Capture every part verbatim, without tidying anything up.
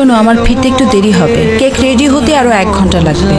শোনো, আমার ফিরতে একটু দেরি হবে। কেক রেডি হতে আরো এক ঘন্টা লাগবে।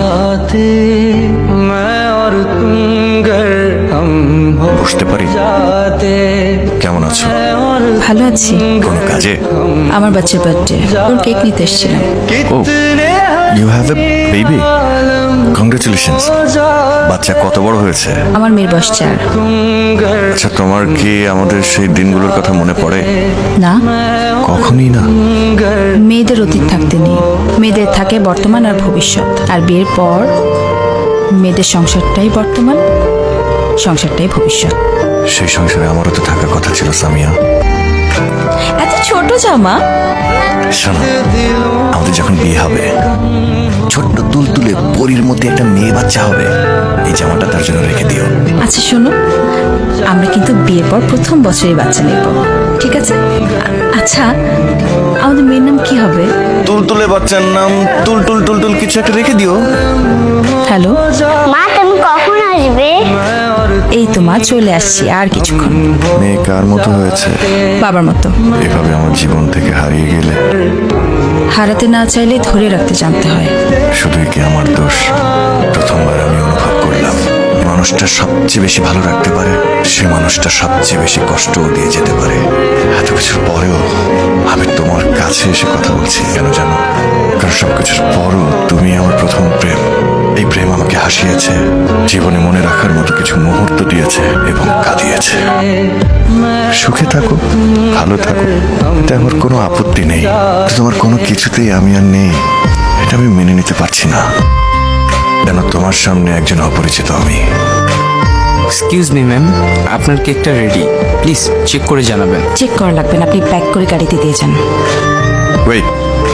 বসতে পারি? কেমন আছো? ভালো আছি। কোনো কাজে? আমার বাচ্চার বার্থডে, ওর কেক নিতে এসেছিলাম। Oh, you have a baby? Congratulations. বাচ্চা কত বড় হয়েছে? আমার মেয়ের বয়স চার। আচ্ছা, তোমার কি আমাদের সেই দিনগুলোর কথা মনে পড়ে? না, কখনই না। মেয়েদের অতীত থাকতে নেই, মেয়েদের থাকে বর্তমান আর ভবিষ্যৎ। আর বিয়ের পর মেয়েদের সংসারটাই বর্তমান, সংসারটাই ভবিষ্যৎ। সেই সংসারে আমারও তো থাকার কথা ছিল সামিয়া। এত ছোট জামা। শোনো, আমাদের যখন বিয়ে হবে, ছোট্ট তুলতুলে পরীর মধ্যে একটা মেয়ে বাচ্চা হবে। এই জামাটা তার জন্য রেখে দিও। আচ্ছা শোনো, আমরা কিন্তু বিয়ের পর প্রথম বছরই বাচ্চা নেব, ঠিক আছে? আচ্ছা, আমাদের মেয়ের নাম কি হবে? তুলতুলে বাচ্চার নাম তুলতুল টুলটুল কিছু একটা রেখে দিও। হ্যালো মা, তুমি কখন আসবে? এই তো মা, চলে আসছি আর কিছুক্ষণ। মেয়ে কার মতো হয়েছে? বাবার মতো। এভাবে আমার জীবন থেকে হারিয়ে গেলে হারাতে না চাইলে ধরে রাখতে জানতে হয়। শুধুই কি আমার দোষ? প্রথমবার আমি অনুভব করলাম, যে মানুষটা সবচেয়ে বেশি ভালো রাখতে পারে, সে মানুষটা সবচেয়ে বেশি কষ্টও দিয়ে যেতে পারে। এত কিছুর পরেও আমি তোমার কাছে এসে কথা বলছি কেন জানো? কারণ সবকিছুর পরও তুমি আমার প্রথম প্রেম। এই প্রেম আমাকে হাসিয়েছে, জীবনে মনে রাখার মতো কিছু মুহূর্ত দিয়েছে এবং কাঁদিয়েছে। সুখে থাকো, ভালো থাকো, এটা আমার কোনো আপত্তি নেই। কিন্তু তোমার কোনো কিছুতেই আমি আর নেই, এটা আমি মেনে নিতে পারছি না। কেন তোমার সামনে একজন অপরিচিত আমি। এক্সকিউজ মি ম্যাম, আপনার কেকটা রেডি, প্লিজ চেক করে জানাবেন। চেক করা লাগবে না, আপনি প্যাক করে গাড়িতে দিয়ে যান। ওয়েট,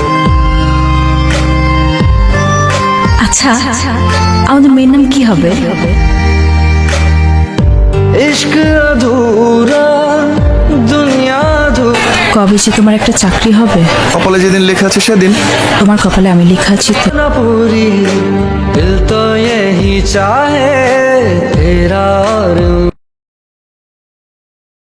আচ্ছা, আমাদের মেয়ের নাম কি হবে? इश्क अधूरा दुनिया अधूरा কবে যে তোমার একটা চাকরি হবে? কপালে যেদিন লেখা আছে সেদিন। তোমার কপালে আমি লেখা আছি তো। पूरी दिल तो यही चाहे तेरा